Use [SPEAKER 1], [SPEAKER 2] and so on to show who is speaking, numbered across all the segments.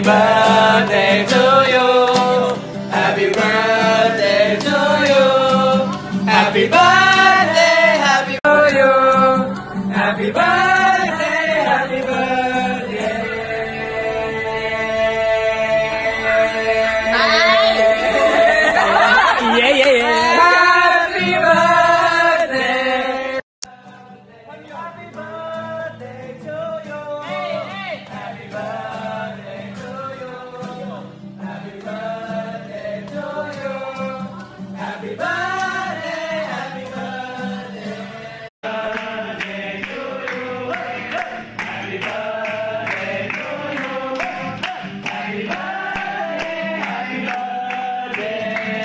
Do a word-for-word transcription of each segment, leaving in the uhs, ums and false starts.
[SPEAKER 1] birthday to you Happy birthday to you Happy birthday Happy to you Happy birthday Happy birthday Yeah yeah yeah Happy birthday Happy birthday to you Happy birthday to you Happy birthday to you Happy birthday Happy birthday Birthday to you Happy birthday to you Happy birthday Happy birthday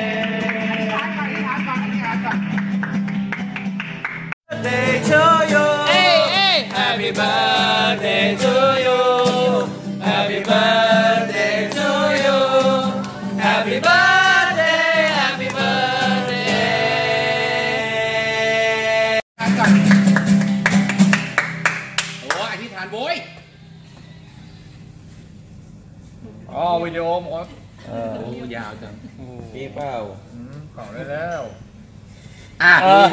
[SPEAKER 1] Birthday to you Happy birthday to you Happy birthday to you Happy birthday Happy birthday
[SPEAKER 2] โอ้อธิษฐานโว้ยอ๋อวิดีโอหมดโอ้ยาวจังปีเปล่าเป่าได้แล้วอ่ะ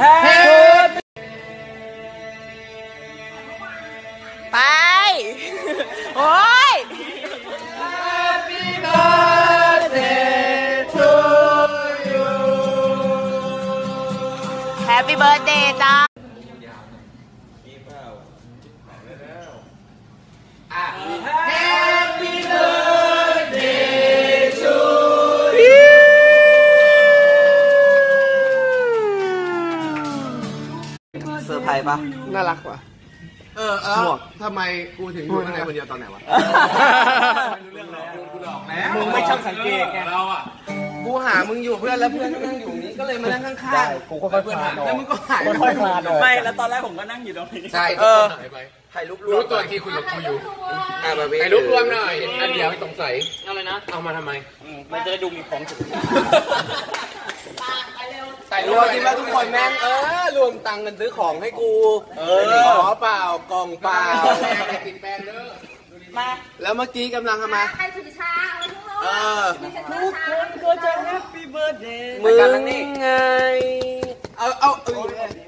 [SPEAKER 3] ไปโอ้ย
[SPEAKER 1] Happy birthday to you
[SPEAKER 3] Happy birthday จ้า
[SPEAKER 1] Happy birthday to you
[SPEAKER 4] เซอร์ไพรส์ปะน่ารักว่ะเออเออทำไมกูถึงอยู่ข้างในคนเดียวตอนไหนวะมึงไม่ช่างสังเกตไงเราอ่ะกูหามึงอยู่เพื่อนแล้วเพื่อนนั่งอยู่นี้ก็เลยมานั่งข้างๆกูก็ค่อยๆคลานออกแล้วมึงก็หายไปคลานออก
[SPEAKER 3] ไม่แล้วตอนแรกผมก็นั่งอยู่ตรงนี้
[SPEAKER 4] ใช่เออถ่ายรูปรวมรู้ตัวที่คุยกับกูอยู่ถ่ายรูปรวมหน่อยอันเดียวไม่สงสัยอะไรนะเอามาทำไม
[SPEAKER 3] มันจะได้ดูมีของถูก
[SPEAKER 4] ถ่ายรูปคิดว่าทุกคนแม่งเออรวมตังค์กันซื้อของให้กูเออขอเปล่ากล่องเปล่าติดแบนเด้อมาแล้วเมื่อกี้กำลังทำไม
[SPEAKER 5] ใครถือชา
[SPEAKER 4] เออ
[SPEAKER 3] ทุกคนก็จะ Happy birthday
[SPEAKER 4] มึงไงเอาเอา